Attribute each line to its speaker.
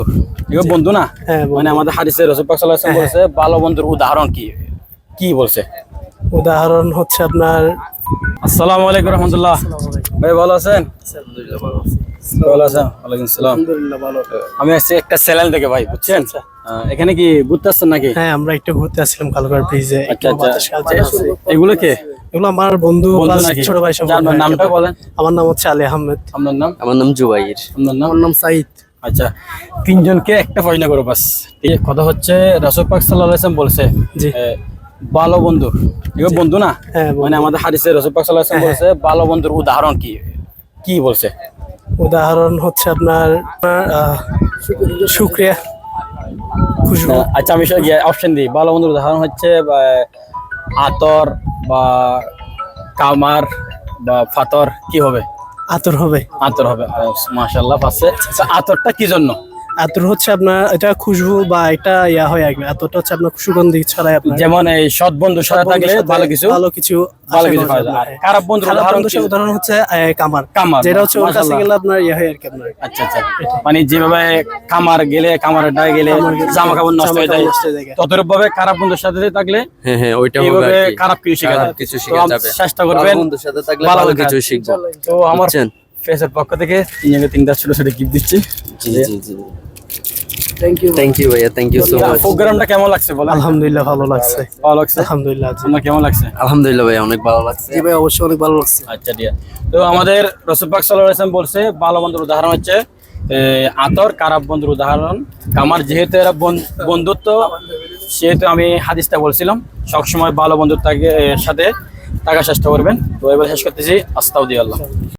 Speaker 1: এগুলো বন্ধু না?
Speaker 2: হ্যাঁ,
Speaker 1: মানে আমাদের হাদিসে রাসূল পাক সাল্লাল্লাহু আলাইহি ওয়াসাল্লাম বলেছে ভালো বন্ধুর উদাহরণ কি কি বলছে?
Speaker 2: উদাহরণ হচ্ছে আপনার
Speaker 1: আসসালামু আলাইকুম রাহমাতুল্লাহ। ভাই ভালো আছেন? ভালো আছেন? ওয়ালাইকুম আসসালাম।
Speaker 2: আলহামদুলিল্লাহ ভালো।
Speaker 1: আমি আসছি একটা চ্যানেল থেকে ভাই, বুঝছেন? এখানে কি ঘুরতে আসছেন নাকি?
Speaker 2: হ্যাঁ, আমরা একটু ঘুরতে আসছিলাম কালকার ব্রিজে।
Speaker 1: আচ্ছা আচ্ছা। এগুলো কে?
Speaker 2: এগুলো আমার বন্ধু
Speaker 1: বন্ধু
Speaker 2: plus
Speaker 1: নাকি?
Speaker 2: ছোট ভাই সব।
Speaker 1: যার নামটা বলেন।
Speaker 2: আমার নাম হচ্ছে আলী আহমেদ।
Speaker 1: আপনার নাম?
Speaker 3: আমার নাম জুবাইর।
Speaker 1: আপনার নাম?
Speaker 2: আমার নাম সাইদ।
Speaker 1: আচ্ছা, তিনজনকে একটা প্রশ্ন করো বাস। এই কথা হচ্ছে রাসূল পাক সাল্লাল্লাহু আলাইহি ওয়াসাল্লাম বলছে
Speaker 2: জি।
Speaker 1: ভালো বন্ধু, এগুলো বন্ধু না?
Speaker 2: হ্যাঁ, বন্ধু।
Speaker 1: মানে আমাদের হাদিসে রাসূল পাক সাল্লাল্লাহু আলাইহি ওয়াসাল্লাম বলছে ভালো বন্ধুর উদাহরণ কি কি বলছে?
Speaker 2: উদাহরণ হচ্ছে আপনার শুকরিয়া, খুশবু।
Speaker 1: আচ্ছা, আমি অপশন দিই। ভালো বন্ধুর উদাহরণ হচ্ছে আতর বা কামার বা ফাতর। কি হবে?
Speaker 2: আতর হবে।
Speaker 1: আতর হবে। মাশাআল্লাহ, পাচ্ছে। আতরটা কি জন্য?
Speaker 2: আতর হচ্ছে আপনার এটা খুশবু বা এটা ইয়া হয় আর কি। আতরটা হচ্ছে আপনার সুগন্ধি ছড়ায় আপনার।
Speaker 1: যেমন এই সৎ বন্ধুর সাথে থাকলে ভালো কিছু
Speaker 2: ভালো কিছু
Speaker 1: পাওয়া যায়। আর খারাপ বন্ধুর উদাহরণ কি?
Speaker 2: উদাহরণ হচ্ছে কামার।
Speaker 1: কামার,
Speaker 2: যেটা হচ্ছে ওর কাছে
Speaker 1: মাশাআল্লাহ।
Speaker 2: গেলে আপনার ইয়া হয় আর কি আপনার।
Speaker 1: আচ্ছা আচ্ছা, মানে যেভাবে কামার গেলে কামারের ডায়ে গেলে জামা কাপড় নষ্ট হয়ে যায়,
Speaker 2: নষ্ট হয়ে যায়।
Speaker 1: ততরূপ ভাবে খারাপ বন্ধুর সাথে থাকলে
Speaker 3: হ্যাঁ হ্যাঁ, ওইটা হবে
Speaker 1: এইভাবে
Speaker 3: আর কি।
Speaker 1: খারাপ কিছু শেখা
Speaker 3: খারাপ
Speaker 1: যায়।
Speaker 3: কিছু
Speaker 1: তো
Speaker 3: শেখা যাবে।
Speaker 1: চেষ্টা
Speaker 3: ভালো
Speaker 1: করবেন
Speaker 3: বন্ধুর সাথে থাকলে
Speaker 1: ভালো
Speaker 3: ভালো
Speaker 1: কাজ।
Speaker 3: কিছু শিখবো।
Speaker 1: তো আমার
Speaker 3: বুঝছেন?
Speaker 1: ফেসের পক্ষ থেকে তিনটা ছোট ছোট গিফট দিচ্ছি।
Speaker 3: জি জি জি। থ্যাংক ইউ ভাইয়া, থ্যাংক ইউ সো মাচ।
Speaker 1: প্রোগ্রামটা কেমন লাগছে বলেন?
Speaker 2: আলহামদুলিল্লাহ ভালো লাগছে।
Speaker 1: ভালো লাগছে?
Speaker 2: আলহামদুলিল্লাহ। জি
Speaker 1: আপনার কেমন লাগছে?
Speaker 3: আলহামদুলিল্লাহ ভাইয়া, অনেক ভালো লাগছে।
Speaker 2: ভাই, অবশ্যই অনেক ভালো লাগছে।
Speaker 1: আচ্ছা দিয়া। তো আমাদের রাসূল পাক সাল্লাল্লাহু আলাইহি ওয়াসাল্লাম বলছে ভালো বন্ধুর উদাহরণ হচ্ছে আতর, খারাপ বন্ধুর উদাহরণ কামার। যেহেতু এরা বন্ধুত্ব, সেহেতু আমি হাদিসটা বলছিলাম সবসময় ভালো বন্ধুর সাথে থাকার চেষ্টা করবেন। তো এবার শেষ করতেছি। আস্তাগফিরুল্লাহ।